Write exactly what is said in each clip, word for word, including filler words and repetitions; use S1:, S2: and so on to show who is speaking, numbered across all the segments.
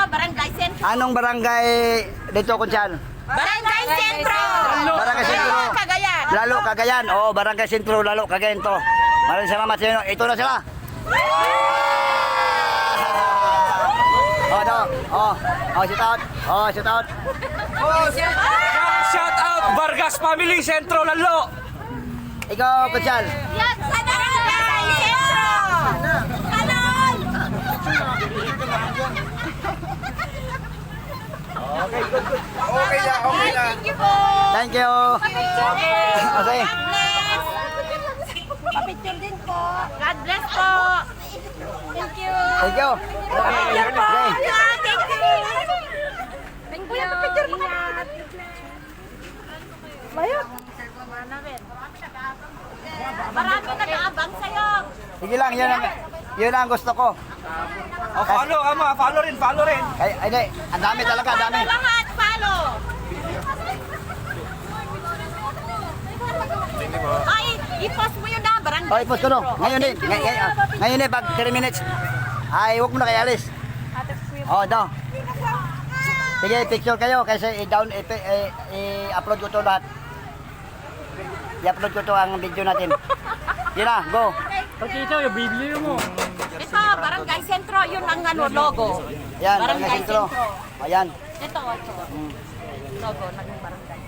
S1: Barangay Sentro.
S2: Anong barangay dito, Konsyal?
S1: Barangay Sentro.
S2: Barangay Sentro.
S1: Lalo, Cagayan.
S2: Lalo, Cagayan. Oo, Barangay Sentro, Lalo, Cagayan to. Maraming salamat sa inyo. Ito na sila. Oh, no. Oh, oh, shout out. Oh, shout out.
S3: Shout out Vargas Family Sentro Lalo.
S2: Ikaw, Konsyal.
S1: Yan sa Barangay Sentro. Kanon.
S4: Okay na, okay na.
S1: Thank you po.
S2: Thank you. Okay.
S1: God bless. Papicture din po. God bless po. Thank you.
S2: Thank you.
S1: Picture po.
S2: Okay.
S1: Yeah, thank you. Thank you. Picture mo na. Mayot. Marami nag-aabang sa'yo.
S2: Sige lang, yun ang, yun ang gusto ko.
S3: Oh, follow, ama. Follow rin, follow rin.
S2: Ay, ay, di. Ang dami talaga, ang dami.
S1: Follow lahat, follow. Ay, i-post mo yun na, barangay.
S2: Oh, ipos ko no. Ngayon din. Ngay, ngay, ah, ngayon din, pag three minutes. Ay, huwag mo na kayo alis. Oh, daw. Sige, picture kayo kasi i-down, i- i- i-upload ko to lahat. I-upload ko to ang video natin. Yun na, go.
S3: Pagkita yung bibili mo.
S1: Ito, barangay sentro, yun ang ano, logo.
S2: Yan,
S1: Barangay
S2: barangay sentro.
S1: sentro.
S2: Ayan.
S1: Ito, ito. Logo ng barangay.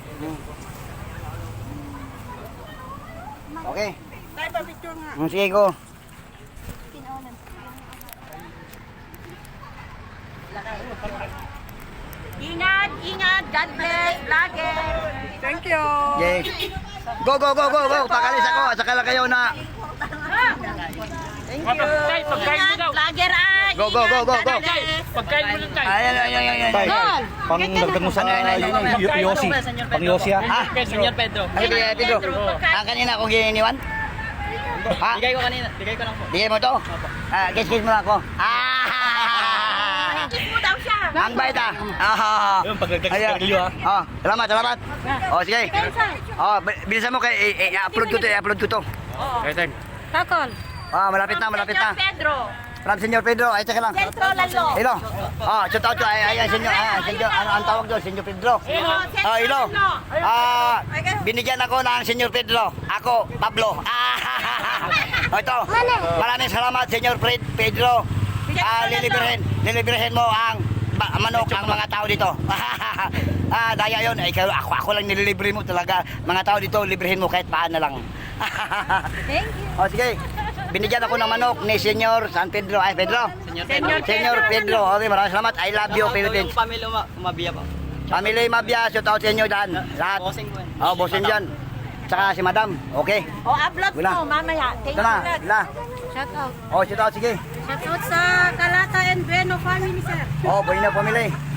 S2: Okay. Mm, sige, go.
S1: Ingat, ingat, God bless, vlogger.
S4: Thank you.
S2: Yes. Go, go, go, go, go. Pakalis ako. Saka lang kayo na.
S3: Pagkain, pagkain mo
S1: Ingat,
S3: daw.
S1: vlogger ay.
S2: Go, go, go, go, go.
S1: God bless.
S3: Pagkain mo lang tayo.
S2: Ayan, ayan, ayan, ayan.
S5: Tay,
S2: ayan.
S5: pang dagdag mo sa
S2: Ano, ano, ano, ano?
S5: y- Yossi. Pang Yossi ha.
S2: Ah,
S3: Senyor Pedro.
S2: ay, bigay, Pedro. Ah, kanina akong gininiwan? Ha?
S3: Bigay ko kanina. Bigay ko lang po.
S2: Bigay mo to? Ah, kiss-kiss mo ako. Ah!
S1: Kiss mo daw siya.
S2: Ang bait ah. Ah.
S5: Yun, pagdagdag
S2: Ayan.
S5: sa kalyo ha.
S2: Oh, salamat, salamat. Oh, sige. Oh, bi- bilisan mo kay i- i- i-upload ko to, i-upload ko to.
S3: Ethan.
S1: Takol.
S2: Ah, malapit na, malapit na.
S1: Pedro.
S2: From Senyor Pedro, ay tsaka lang.
S1: Sentro Lalo.
S2: Hello. Oh, shout out to ay ay Senyor, ah, Senyor, ano ang tawag doon? Senyor Pedro. Oh, hello. Ah, binigyan ako ng Senyor Pedro. Ako, Pablo. Ah, oh, ito. Maraming salamat, Senyor Fred Pedro. Ah, lilibrihin, lilibrihin mo ang ba- manok ang mga tao dito. Ah, daya yun. Ay, kayo- ako, ako lang nililibre mo talaga. Mga tao dito, librihin mo kahit paan na lang.
S1: Thank you.
S2: Oh, sige. Binigyan ako ng manok ni Senyor San Pedro. Ay, Pedro.
S1: Senyor
S2: Senyor Pedro. Okay, maraming salamat. I love you, Philippines.
S3: Pamilya Mabia po.
S2: Family Mabia, shout out sa inyo dyan. Lahat.
S3: Bossing po yan.
S2: Oh, bossing dyan. Tsaka si Madam. Okay.
S1: O, upload
S2: Wala.
S1: mo mamaya. Thank
S2: Ito na.
S1: you. Lord.
S2: Ila.
S1: Shout out.
S2: Oh, shout out. Sige.
S1: Shout out sa Kalata and Bueno family, sir.
S2: Oh, buhay na pamili.